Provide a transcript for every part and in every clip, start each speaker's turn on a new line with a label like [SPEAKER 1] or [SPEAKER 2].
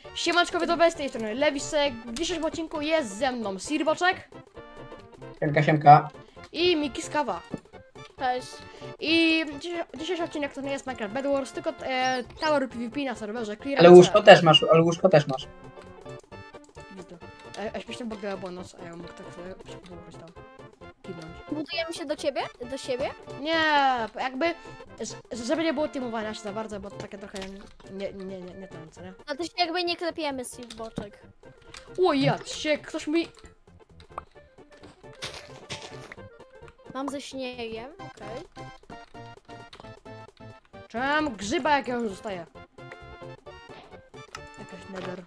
[SPEAKER 1] Siemanczko widzowie, z tej strony Lewisek. W dzisiejszym odcinku jest ze mną Sirboczek
[SPEAKER 2] Siemka, siemka.
[SPEAKER 1] i Miki z Kawa.
[SPEAKER 3] Cześć.
[SPEAKER 1] I dzisiejszy odcinek to nie jest Minecraft Bed Wars, tylko Tower PvP na serwerze Clear.
[SPEAKER 2] Ale łóżko też masz, ale łóżko też masz.
[SPEAKER 1] Śmiesznie bugała była noc, a ja mógł tak sobie położyć tam. Kibnąć.
[SPEAKER 3] Budujemy się do ciebie? Do siebie?
[SPEAKER 1] Nie, jakby, żeby nie było teamowania się za bardzo, bo to takie trochę nie ten, co nie?
[SPEAKER 3] No to się jakby nie klepiemy z tych boczek.
[SPEAKER 1] O ja się, ktoś mi...
[SPEAKER 3] Mam ze śniegiem, okej.
[SPEAKER 1] Czemu grzyba jakiegoś zostaje? Jakaś nether.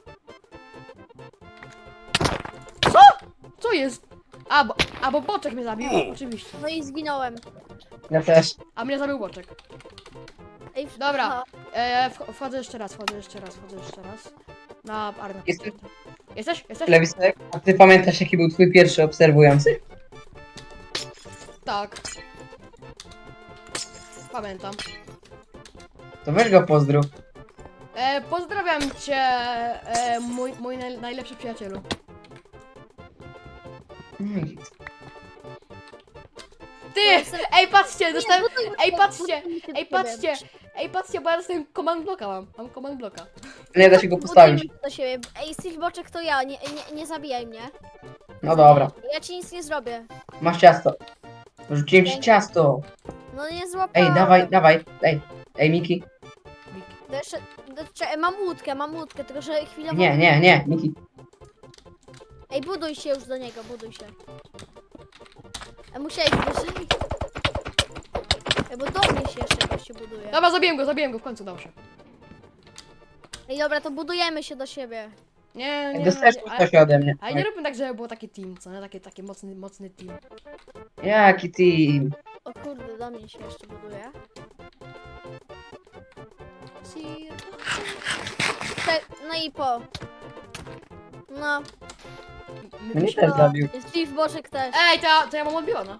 [SPEAKER 1] Co? Co jest? Bo boczek mnie zabił, oczywiście.
[SPEAKER 3] No i zginąłem.
[SPEAKER 2] Ja też.
[SPEAKER 1] A mnie zabił boczek.
[SPEAKER 3] Ej,
[SPEAKER 1] Dobra.
[SPEAKER 3] aha.
[SPEAKER 1] Wchodzę jeszcze raz. Na arenę.
[SPEAKER 2] Jestem.
[SPEAKER 1] Jesteś?
[SPEAKER 2] Lewisek, a ty pamiętasz jaki był twój pierwszy obserwujący?
[SPEAKER 1] Tak. Pamiętam.
[SPEAKER 2] To weź go pozdrów.
[SPEAKER 1] Pozdrawiam cię, mój najlepszy przyjacielu. Ty! Ej, patrzcie, dostałem... Ej, patrzcie! Ej, patrzcie, bo ja dostałem command blocka mam command blocka.
[SPEAKER 2] Nie da się go postawić.
[SPEAKER 3] Budujemy się do siebie. Ej, Steve Boczek to ja, nie zabijaj mnie.
[SPEAKER 2] No dobra.
[SPEAKER 3] Ja ci nic nie zrobię.
[SPEAKER 2] Masz ciasto. Rzuciłem ci ciasto.
[SPEAKER 3] No nie złapałem.
[SPEAKER 2] Ej, dawaj. Ej, Miki.
[SPEAKER 3] To jeszcze, mam łódkę, tylko że chwilowo...
[SPEAKER 2] Nie, Miki.
[SPEAKER 3] Ej, buduj się już do niego, buduj się. Musiałeś wyżej. Ej, bo do mnie się jeszcze jakoś się buduje.
[SPEAKER 1] Dobra, zabiłem go, w końcu dał się.
[SPEAKER 3] Ej, dobra, to budujemy się do siebie.
[SPEAKER 1] Nie,
[SPEAKER 2] Dostajesz coś ode mnie.
[SPEAKER 1] ale nie róbmy tak, żeby było taki team, co nie? Taki mocny team.
[SPEAKER 2] Jaki team?
[SPEAKER 3] O kurde, do mnie się jeszcze buduje. No i po. No.
[SPEAKER 2] Mnie też zabił.
[SPEAKER 3] Jest Steve Boczek też.
[SPEAKER 1] Ej, to ja mam odbiona.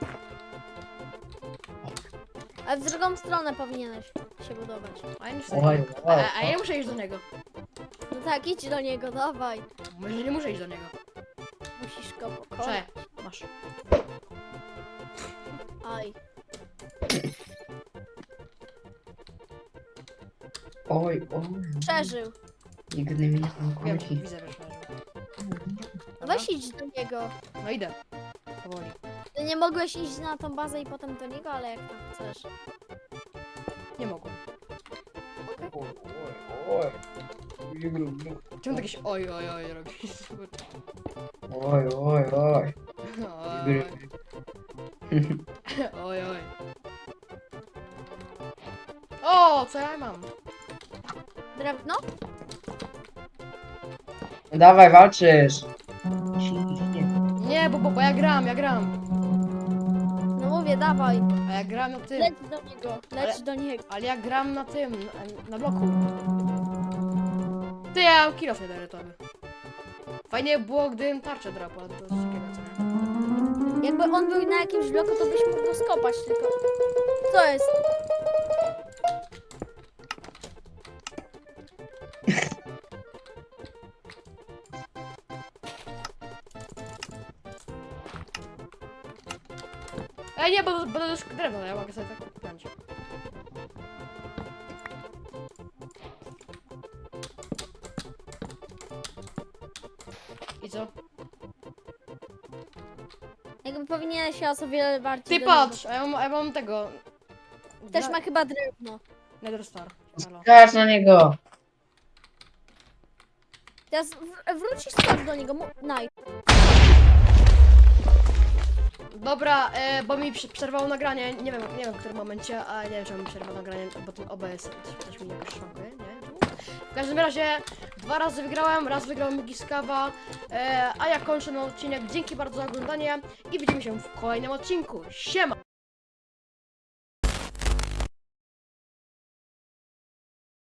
[SPEAKER 3] Ale w drugą stronę powinieneś się budować.
[SPEAKER 1] A ja nie,
[SPEAKER 2] Oj,
[SPEAKER 1] a ja nie muszę iść do niego.
[SPEAKER 3] No tak, idź do niego, dawaj.
[SPEAKER 1] Może nie muszę iść do niego.
[SPEAKER 3] Musisz go pokonać.
[SPEAKER 1] Prze, masz.
[SPEAKER 3] Aj.
[SPEAKER 2] Oj.
[SPEAKER 3] Przeżył.
[SPEAKER 2] Nigdy mnie nie
[SPEAKER 1] Wiem,
[SPEAKER 2] kończy.
[SPEAKER 1] widzę, wiesz.
[SPEAKER 3] No weź idź do niego.
[SPEAKER 1] No idę. Powoli.
[SPEAKER 3] Ty nie mogłeś iść na tą bazę i potem do niego, ale jak tam chcesz.
[SPEAKER 1] Nie mogłem.
[SPEAKER 2] Oj.
[SPEAKER 1] Czemu tak jakieś oj robisz?
[SPEAKER 2] Oj.
[SPEAKER 1] Oj. O, co ja mam?
[SPEAKER 3] Drewno?
[SPEAKER 2] Dawaj, walczysz.
[SPEAKER 1] Nie, bo ja gram.
[SPEAKER 3] No mówię, dawaj.
[SPEAKER 1] A ja gram na tym.
[SPEAKER 3] Leć do niego, leć do niego.
[SPEAKER 1] Ale ja gram na tym, na bloku. Ty, ja mam kilof niederytowy. Fajnie było, gdybym tarczę drapał, ale to jest ciekawe, co nie?
[SPEAKER 3] Jakby on był na jakimś bloku, to byś mógł go skopać tylko. Co jest?
[SPEAKER 1] Ej, nie, bo to jest drewno, ja mogę sobie tak kupić. I co?
[SPEAKER 3] Jakby powinien się o wiele bardziej
[SPEAKER 1] Ty
[SPEAKER 3] do
[SPEAKER 1] patrz, a ja mam tego...
[SPEAKER 3] niego. Też ma chyba drewno.
[SPEAKER 1] Nether Star. Halo.
[SPEAKER 2] Skacz na niego.
[SPEAKER 3] Teraz wrócisz skocz do niego. Naj.
[SPEAKER 1] Dobra, bo mi przerwało nagranie, nie wiem w którym momencie, a nie wiem czemu mi przerwało nagranie, bo ten OBS też mi jakoś szwankuje, nie? W każdym razie 2 razy wygrałem, raz wygrał Miki z Kawa, a ja kończę ten odcinek. Dzięki bardzo za oglądanie i widzimy się w kolejnym odcinku. Siema!